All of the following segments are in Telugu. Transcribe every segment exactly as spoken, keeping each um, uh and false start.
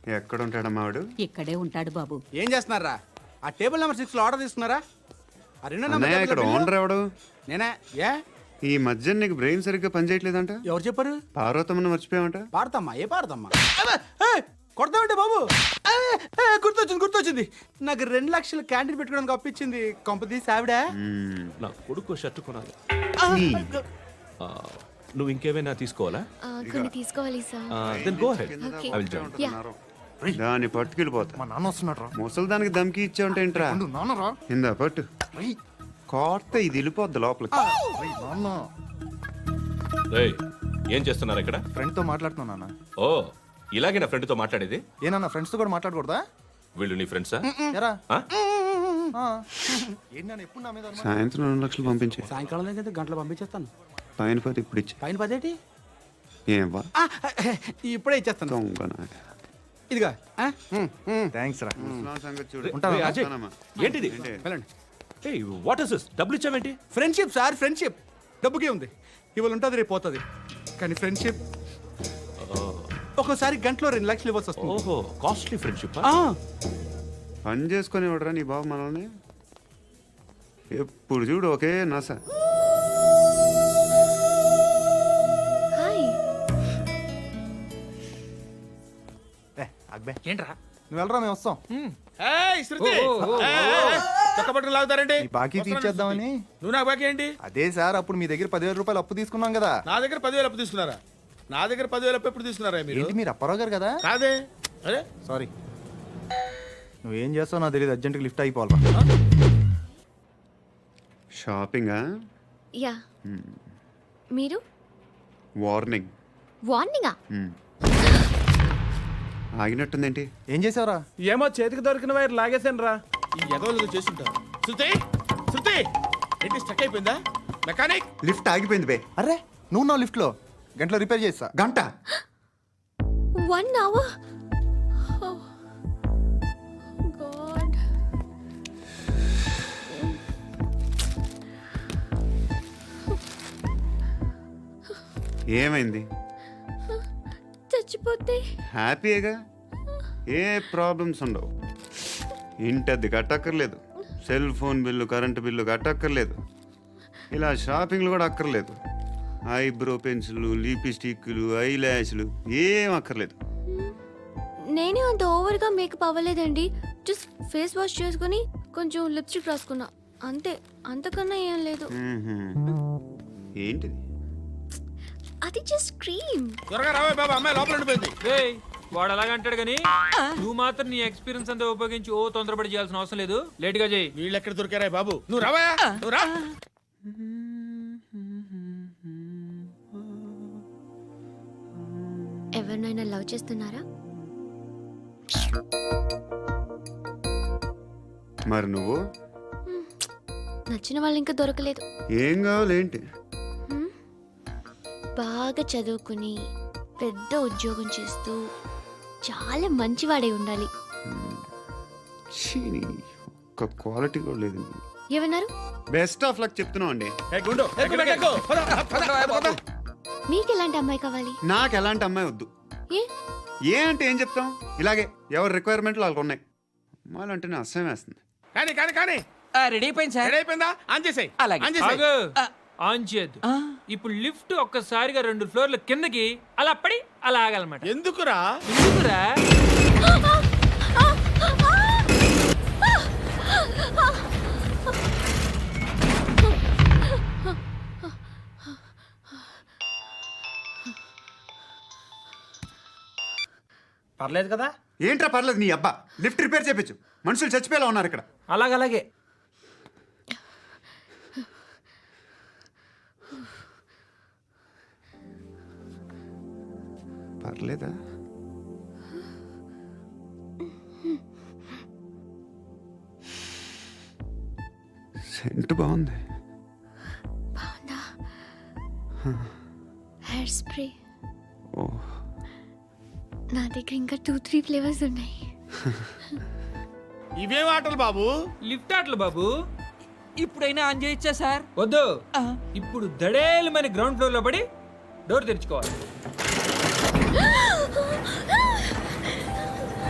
ఎక్కడ ఉంటాడమ్మా వాడు? ఇక్కడే ఉంటాడు బాబు. ఏం చేస్తున్నారా? ఆ టేబుల్ నెంబర్ సిక్స్ లో ఆర్డర్ తీసుకున్నారా? ఆ రెండో అన్నయ్య, నెంబర్ ఇక్కడ ఓనర్ ఎవడు? నేనే. ఏ ఈ మధ్య నీకు బ్రెయిన్ సరిగ్గా పనిచేయట్లేదంట. ఎవరు చెప్పారు? పార్వతమ్మను మర్చిపోయామంట. పాడతామ్మా? ఏ పాడతామ్మా? కొడతామంటే బాబు. ఏ, ఏ, గుర్తొచ్చింది గుర్తొచ్చింది నాకు రెండు లక్షలు క్యాంటీన్ పెట్టుకోవడానికి అప్పించింది కొంపదీసి ఆవిడ. నా కొడుకు షర్ట్ కొనాలి. ఆ, నువ్వు ఇంకేమైనా తీసుకోవాలా? ఆ, కొన్ని తీసుకోవాలి sir. Then go ahead. Okay. I will join. దాన్ని పట్టుకెళ్ళిపోతా. మా నాన్న వస్తున్నాడు రా. ముసలి దానికి దమ్కి ఇచ్చావంటే ఏంట్రా? నాన్న రా. ఇందా పట్టు. కోర్త ఇది వెళ్ళిపోద్ది లోపలికి. నాన్న రేయ్, ఏం చేస్తున్నారు ఇక్కడ? ఫ్రెండ్ తో మాట్లాడుతున్నా నాన్న. ఓ, ఇలాగే నా ఫ్రెండ్ తో మాట్లాడేది? ఏనా ఫ్రెండ్స్ తో కూడా మాట్లాడకూడదా? వీళ్ళు నీ ఫ్రెండ్సా? ఎరా ఆ? ఏంటి నాన్న ఎప్పుడు నా మీద అనుమానం? సాయంత్రం రెండు లక్షలు పంపించే. సాయంకాలం దగ్గర గంటలు పంపించేస్తాను. పైన పది ఇప్పుడు ఇచ్చే. పైన పదేటి? ఏం వా ఇప్పుడే ఇచ్చేస్తాను. దొంగ నాయ. ఇదిగా థ్యాంక్స్ రా. ముసలాం సంగతి చూడు. ఉంటావా? రేయ్, అజయ్, ఉంటానమ్మా. ఏంటిది? వెళ్ళండి. ఏయ్, వాట్ ఇస్ దిస్? డబ్బులు ఇచ్చావేంటి? Friendship sir, friendship. డబ్బుకే ఉంది. ఇవాళ ఉంటుంది రేపు పోతుంది. కానీ ఫ్రెండ్షిప్ ఒక్కోసారి గంటలో రెండు లక్షలు ఇవ్వాల్సి వస్తుంది. ఓహో, కాస్ట్లీ ఫ్రెండ్షిప్. ఆ, పని చేసుకొని ఇవ్వడరా నీ బాబు మనల్ని? ఎప్పుడు చూడు ఒకే నస. హాయ్. ఏ అక్బే ఏంట్రా? నువ్వు వెళ్ళరా, మేము వస్తాం. ఏయ్, శృతి! ఏయ్, ఏయ్, ఏయ్, చొక్కా పట్టుకుని లాగుతారండి. ఈ బాకీ తీర్చేద్దామని. నువ్వు నాకు బాకీ ఏంటి? అదే సార్, అప్పుడు మీ దగ్గర పదివేల రూపాయలు అప్పు తీసుకున్నాం కదా. నా దగ్గర పదివేలు అప్పు తీసుకున్నారా? నా దగ్గర పదివేలు అప్పు ఎప్పుడు తీసుకున్నారా మీరు? ఏంటి మీరు అప్పారావు గారు కదా? కాదే. అరే సారీ. నువ్వేం చేస్తావు నాకు తెలియదు, అర్జెంట్గా లిఫ్ట్ అయిపోవాలి. షాపింగా? యా. మీరు? వార్నింగ్. వార్నింగా? ఆగినట్టుందేంటి? ఏం చేసావురా? ఏమో చేతికి దొరికిన వైర్ లాగేసాను రా. ఈ ఎదవలు చేస్తుంటారు. శృతి, శృతి, ఏంటి స్టక్ అయిపోయిందా? మెకానిక్. లిఫ్ట్ ఆగిపోయింది బే. అరే నువ్వు నా లిఫ్ట్ లో గంటలో రిపేర్ చేస్తా. గంట? One hour? గాడ్. ఏమైంది? చచ్చిపోతే? హ్యాపీగా, ఏ ప్రాబ్లమ్స్ ఉండవు. ఇంటి అద్దె కట్టక్కర్లేదు, cell phone bill, current bill కట్టక్కర్లేదు, ఇలా షాపింగ్లు కూడా అక్కర్లేదు. ఐబ్రో పెన్సిల్లు, లిప్స్టిక్లు, ఐ ల్యాష్లు ఏం అక్కర్లేదు. నేనే అంత ఓవర్గా మేకప్ అవ్వలేదండి. జస్ట్ ఫేస్ వాష్ చేసుకుని కొంచెం లిప్స్టిక్ రాసుకున్నా అంతే. అంతకన్నా ఏం లేదు. మ్మ్హ్మ్. ఏంటిది? అది జస్ట్ క్రీమ్. త్వరగా రావే బాబా, అమ్మాయి లోపల ఉండిపోయింది. ఏయ్, వాడు అలాగంటాడు కానీ నువ్వు మాత్రం నీ ఎక్స్పీరియన్స్ అంతా ఉపయోగించి ఓ తొందరపడి చేయాల్సిన అవసరం లేదు. లేట్ గా చేయి. వీళ్ళు ఎక్కడ దొరికారా బాబు? నువ్వు రావా, నువ్వు రా. ఎవరినైనా లవ్ చేస్తున్నారా? మరి నువ్వు? నచ్చిన వాళ్ళు ఇంకా దొరకలేదు. ఏం కావాలి ఏంటి? బాగా చదువుకుని పెద్ద ఉద్యోగం చేస్తూ చాలా మంచివాడే ఉండాలి. ఛీ, ఒక్క క్వాలిటీ కూడా లేదు. ఏమన్నారు? బెస్ట్ ఆఫ్ లక్ చెప్తున్నావు అండి. ఏ గుండు, ఎక్కు, ఎక్కు, ఎక్కు. పద, పద, పద, పద. మీకు ఎలాంటి అమ్మాయి కావాలి? నాకు ఎలాంటి అమ్మాయి వద్దు. ఏ? ఏ అంటే ఏం చెప్తాం, ఇలాగే ఎవరి రిక్వైర్మెంట్లు వాళ్ళకు ఉన్నాయి. అమ్మాయిలు అంటేనే అసహ్యం వేస్తుంది. కానీ కానీ కానీ రెడీ అయిపోయింది సార్. రెడీ అయిపోయిందా? ఆన్ చేసేయ్. అలాగే. ఆన్ చేసేయ్. ఆగు. ఆన్ చేయద్దు. ఇప్పుడు లిఫ్ట్ ఒక్కసారిగా రెండు ఫ్లోర్ల కిందకి అలా పడి అలా ఆగాలన్నమాట. ఎందుకురా? ఎందుకురా? పర్లేదు కదా? ఏంట్రా పర్లేదు నీ అబ్బా. లిఫ్ట్ రిపేర్ చేయించు, మనుషులు చచ్చిపోయేలా ఉన్నారు ఇక్కడ. అలాగలాగే. పర్లేదా? సెంట్ బాగుంది. బాగుందా? Hair spray. ఓ, నా దగ్గర ఇంకా టూ త్రీ ఫ్లేవర్స్ ఉన్నాయి. ఇవేం ఆటలు బాబు? లిఫ్ట్ ఆటలు బాబు. ఇప్పుడైనా ఆన్ చేయొచ్చా సార్? వద్దు. ఇప్పుడు దడేలు మన గ్రౌండ్ ఫ్లోర్ లో పడి డోర్ తెరుచుకోవాలి.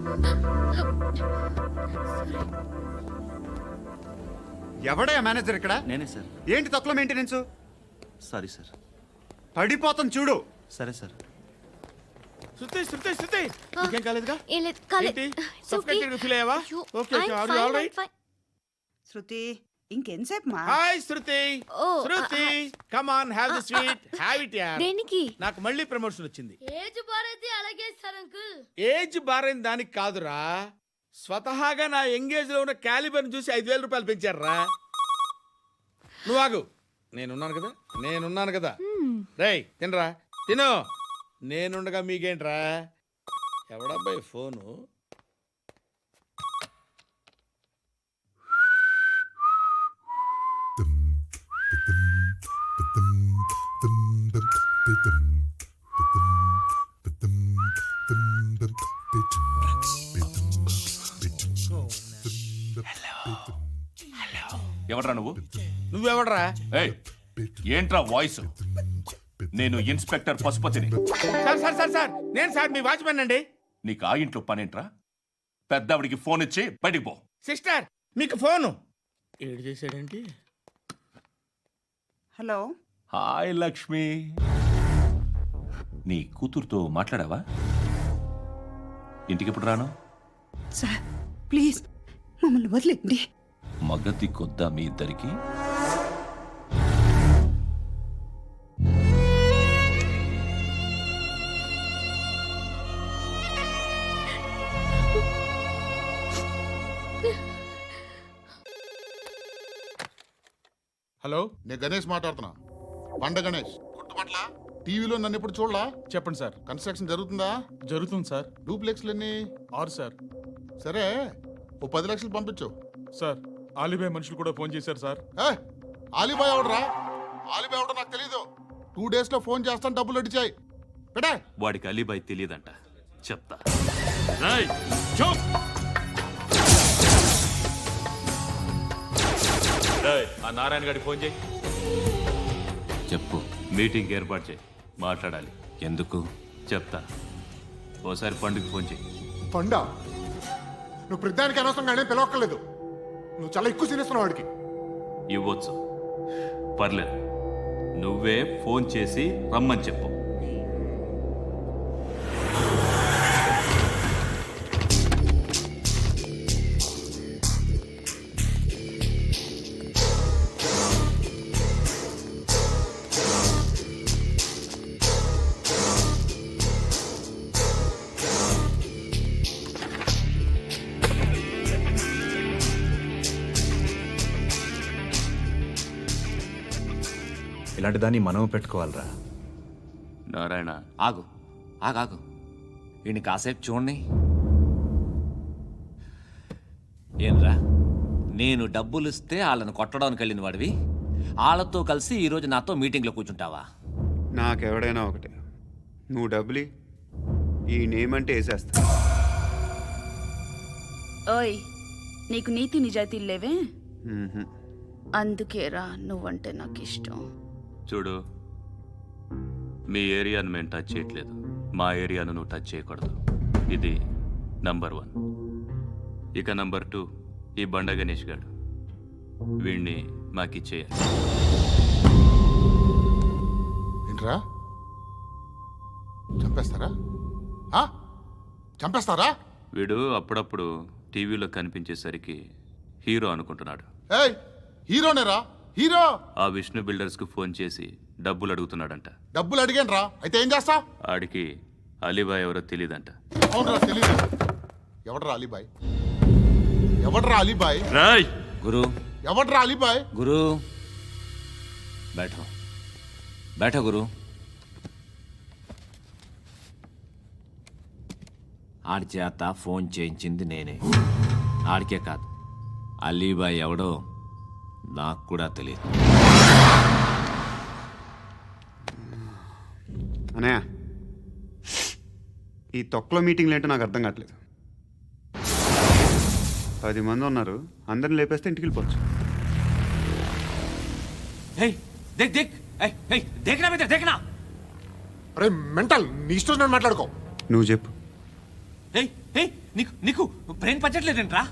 ఎవడయ్యా మేనేజర్ ఇక్కడ? నేనే సార్. ఏంటి తక్కువ మెయింటెనెన్స్? Sorry sir. పడిపోతాం చూడు. సరే సార్. శృతి శృతి శృతి ఇంకేం కాలేదుగా? ఏం లేదు కాలేదు. ఏంటి? It's okay. Suffocated feel అయ్యావా? అయ్యో, Okay, okay. I'm Are you fine, all I'm right? fine. Shruti ఇంకెంతసేపు మా hi Shruti. Oh, Shruti come on have the sweet have it యార్. దేనికి? నాకు మళ్ళీ ప్రమోషన్ వచ్చింది. ఏజ్ బారైతే అలాగే సార్ అంకుల్. ఏజ్ బారైన దానికి కాదురా, స్వతహాగా నా ఎంగేజ్ లో ఉన్న క్యాలిబర్ చూసి ఐదు వేల రూపాయలు పెంచారా. నువ్వు ఆగు, నేనున్నాను కదా నేనున్నాను కదా. రేయ్ తినరా తిను. నేనుండగా మీకేంట్రా? ఎవడబ్బాయి ఫోను? ఎవడ్రా నువ్వు? నువ్వెవడరా? ఏయ్, ఏంట్రా వాయిస్? నేను ఇన్స్పెక్టర్ పశుపతిని. సార్ సార్ సార్ సార్ నేను సార్ మీ వాచ్మెన్ అండి. నీకు ఆ ఇంట్లో పనేంట్రా? పెద్దవిడికి ఫోన్ ఇచ్చి బయటికి పో. సిస్టర్ మీకు ఫోను. ఏడు చేశాడేంటి? Hello hi Lakshmi. నీ కూతురుతో మాట్లాడావా? ఇంటికి ఎప్పుడు రాను? సార్ ప్లీజ్ మమ్మల్ని వదిలేండి. మగతి కొద్దా మీ ఇద్దరికి? హలో నేను గణేష్ మాట్లాడుతున్నా. బండ గణేష్ గుర్తుపట్ల టీవీలో నన్ను ఎప్పుడు చూడలా? చెప్పండి సార్. కన్స్ట్రక్షన్ జరుగుతుందా? జరుగుతుంది సార్. డూప్లెక్స్లు ఎన్ని? ఆరు సార్. సరే ఓ పది లక్షలు పంపించు. సార్ ఆలిబాయ్ మనుషులు కూడా ఫోన్ చేశారు సార్. ఏ ఆలిబాయ్ ఎవడరా? ఆలిబాయ్ ఎవడో నాకు తెలీదు. టూ డేస్ లో ఫోన్ చేస్తాను, డబ్బులు అడిచాయి పెడే. వాడికి అలీబాయ్ తెలియదంట, చెప్తా. ఆ నారాయణ గారికి ఫోన్ చేయి. చెప్పు. మీటింగ్ ఏర్పాటు చేయి, మాట్లాడాలి. ఎందుకు చెప్తా. ఓసారి పండుగ ఫోన్ చేయి. పండా నువ్వు ప్రతిదానికి అనవసరంగానే పిలవక్కర్లేదు. నువ్వు చాలా ఎక్కువ సీనిస్తున్నావు వాడికి. ఇవ్వచ్చు, పర్లేదు. నువ్వే ఫోన్ చేసి రమ్మని చెప్పు. ఇలాంటి దాన్ని మనం పెట్టుకోవాలరా. నారాయణ, ఆగు ఆగాగు వీడిని కాసేపు చూడండి. ఏంరా, నేను డబ్బులు ఇస్తే వాళ్ళని కొట్టడానికి వెళ్ళిన వాడివి, వాళ్ళతో కలిసి ఈరోజు నాతో మీటింగ్లో కూర్చుంటావా? నాకెవడైనా ఒకటే, నువ్వు డబ్బులి, ఈ నేమ్ అంటే వేసేస్తా. ఓయ్ నీకు నీతి నిజాయితీలు లేవే, మ్మ్హ్మ్. అందుకేరా నువ్వంటే నాకు ఇష్టం. చూడు, మీ ఏరియాను మేము టచ్ చేయట్లేదు, మా ఏరియాను నువ్వు టచ్ చేయకూడదు. ఇది నంబర్ వన్. ఇక నంబర్ టూ, ఈ బండ గణేష్ గారు, వీణ్ణి మాకిచ్చేయాలి. ఏంట్రా చంపేస్తారా? ఆ? చంపేస్తారా? వీడు అప్పుడప్పుడు టీవీలో కనిపించేసరికి హీరో అనుకుంటున్నాడు. ఏయ్ హీరోనేరా, హీరో. ఆ విష్ణు బిల్డర్స్కు ఫోన్ చేసి డబ్బులు అడుగుతున్నాడంట. డబ్బులు అడిగాను రా, అయితే ఏం చేస్తా? ఆడికి అలీబాయ్ ఎవరో తెలియదంట. అవునరా తెలీదు. ఎవడరా అలీబాయ్? ఎవడరా అలీబాయ్? రాయ్ గురు ఎవడరా అలీబాయ్? గురు బైఠో బైఠో గురు. ఆడి చేత ఫోన్ చేయించింది నేనే. ఆడికే కాదు, అలీబాయ్ ఎవడో నాకు కూడా తెలియదు. అనయ్య, ఈ తొక్కలో మీటింగ్లు ఏంటో నాకు అర్థం కావట్లేదు. పది మంది ఉన్నారు, అందరిని లేపేస్తే ఇంటికి వెళ్ళిపోవచ్చు. హేయ్ దేక్ దేక్ ఏయ్ ఏయ్ దేకనా బేటా దేకనా. అరే మెంటల్, నీ ఇష్టం నేను మాట్లాడుకో. నువ్వు చెప్పు, ఏయ్ ఏయ్ నీకు నీకు బ్రెయిన్ పచ్చట్లేదంట్రా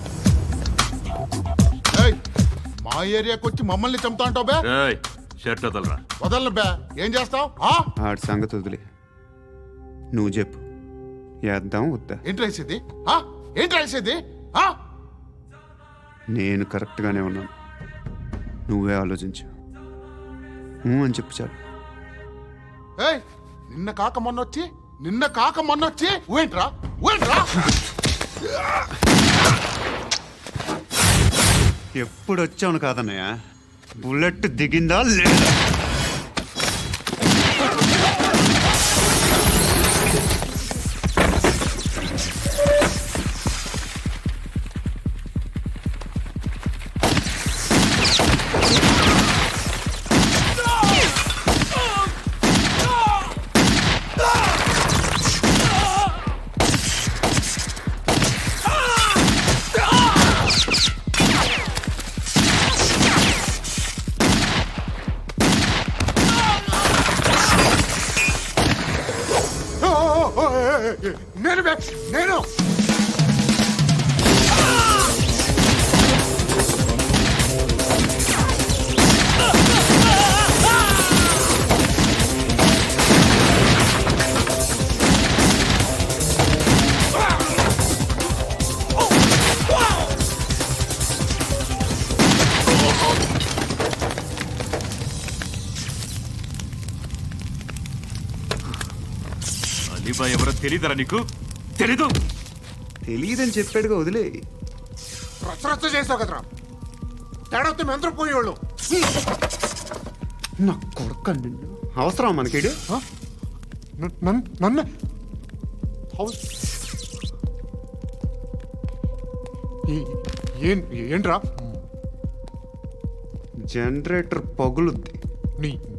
ఏయ్, మా ఏరియాకి వచ్చి మమ్మల్ని చంపుతా అంటావు బే రేయ్ షర్ట్ వదలరా. వదలను బే ఏం చేస్తావు ఆడి సంగతి వదిలే, నువ్వు చెప్పు, వేద్దాం వద్దా? ఏంటి రాసేది ఆ? ఏంటి రాసేది ఆ? నేను కరెక్ట్గానే ఉన్నాను, నువ్వే ఆలోచించు. ఊ అని చెప్పు చాలు. ఏయ్ నిన్న కాక మొన్న వచ్చి నిన్న కాక మొన్న వచ్చి ఊయంట్రా ఊయంట్రా ఎప్పుడు వచ్చావును కాదన్నయ్య, బుల్లెట్ దిగిందా లేదా? ఓ, ఓ, ఓ, ఏయ్, ఏయ్, ఏయ్, నేను బే నేను అలీబాయ్ ఎవరో తెలీదరా నీకు? తెలీదు. తెలియదని చెప్పాడుగా, వదిలే. రచ్చ రచ్చ చేసావు కదరా తేడా వస్తే మెంతరం పోయేవాళ్ళు నా కొడుకు నిన్ను అవసరం మనకిడు. నన్ను ఏంట్రా జనరేటర్ పగులుద్ది. నీ